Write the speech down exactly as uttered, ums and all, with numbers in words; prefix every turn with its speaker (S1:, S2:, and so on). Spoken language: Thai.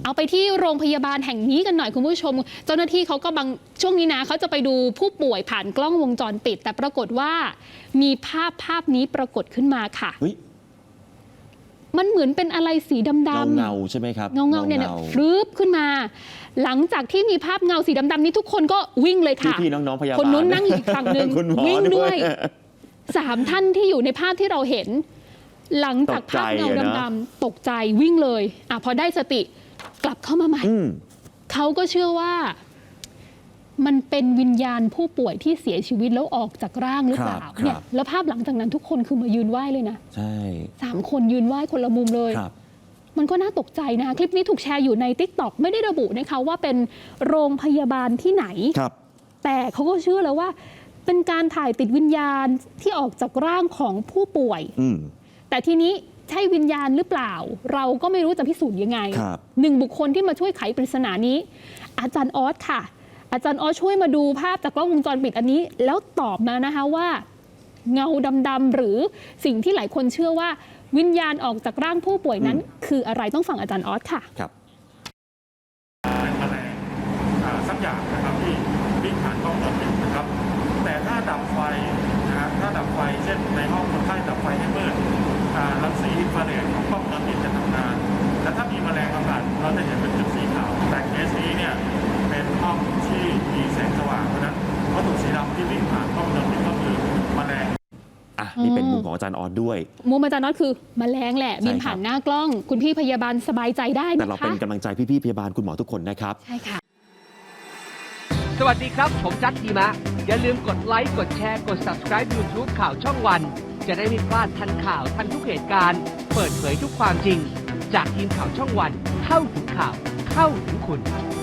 S1: เอาไปที่โรงพยาบาลแห่งนี้กันหน่อยคุณผู้ชมเจ้าหน้าที่เขาก็บางช่วงนี้นะเขาจะไปดูผู้ป่วยผ่านกล้องวงจรปิดแต่ปรากฏว่ามีภาพภาพนี้ปรากฏขึ้นมาค่ะมันเหมือนเป็นอะไรสีดำๆ
S2: เงาเงาใช่ไหมครับ
S1: เงาเงาเนี่ยฟลึบขึ้นมา หลังจากที่มีภาพเงาสีดำๆนี้ทุกคนก็วิ่งเลยค่ะ
S2: พี่ๆน้องๆพยาบาล
S1: คนนู้นนั่งอยู่อีกฝั่งหนึ่งวิ่งด้วยสามท่านที่อยู่ในภาพที่เราเห็นหลังจากภาพเงาดำๆตกใจวิ่งเลยอ่ะพอได้สติกลับเข้ามาใหม่เขาก็เชื่อว่ามันเป็นวิญญาณผู้ป่วยที่เสียชีวิตแล้วออกจากร่างหรือเปล่าเนี่ยแล้วภาพหลังจากนั้นทุกคนคือมายืนไหว้เลยนะ
S2: ใช่
S1: สามคนยืนไหว้คนละมุมเลยมันก็น่าตกใจนะคลิปนี้ถูกแชร์อยู่ใน ติ๊กต็อก ไม่ได้ระบุนะคะว่าเป็นโรงพยาบาลที่ไหนแต่เขาก็เชื่อแล้วว่าเป็นการถ่ายติดวิญญาณที่ออกจากร่างของผู้ป่วยแต่ทีนี้ใช่วิญญาณหรือเปล่าเราก็ไม่รู้จะพิสูจน์ยังไงหนึ่งบุคคลที่มาช่วยไขปริศนานี้อาจารย์ออสค่ะอาจารย์ออสช่วยมาดูภาพจากกล้องวงจรปิดอันนี้แล้วตอบมานะคะว่าเงาดำๆหรือสิ่งที่หลายคนเชื่อว่าวิญญาณออกจากร่างผู้ป่วยนั้นคืออะไรต้องฟังอาจารย์ออสค่ะ
S3: ครับเป็นแมลงสักอย่างนะครับที่วิ่งผ่านกล้องวงจรปิดนะครับแต่ถ้าดับไฟนะฮะถ้าดับไฟเช่นในห้องคนไข้ดับไฟให้มืดรังสีอินฟราเรดของกล้องวงจรปิดจะทำงานและถ้ามีแมลงอากาศเราจะเห็นเป็นจุดสีขาวแต่เคสนี้เนี่ยเป็นห้องที่มีแสงสว่างเพราะนั้นวัตถุสีดำที่วิ่งผ่านกล้องวงจรปิดก็คือแมลง
S2: อ่ะนี่เป็นมุมของอาจารย์ออสด้วย
S1: มุมอาจารย์ออสคือแมลงแหละบินผ่านหน้ากล้องคุณพี่พยาบาลสบายใจได้นะคะ
S2: แต่เราเป็นกำลังใจพี่ๆพยาบาลคุณหมอทุกคนนะครับ
S1: ใช่ค่ะ
S4: สวัสดีครับผมจัดดีมะอย่าลืมกดไลค์กดแชร์กด ซับสไครบ์ ยูทูบ ข่าวช่องวันจะได้ไม่พลาดทันข่าวทันทุกเหตุการณ์เปิดเผยทุกความจริงจากทีมข่าวช่องวันเข้าถึงข่าวเข้าถึงคุณ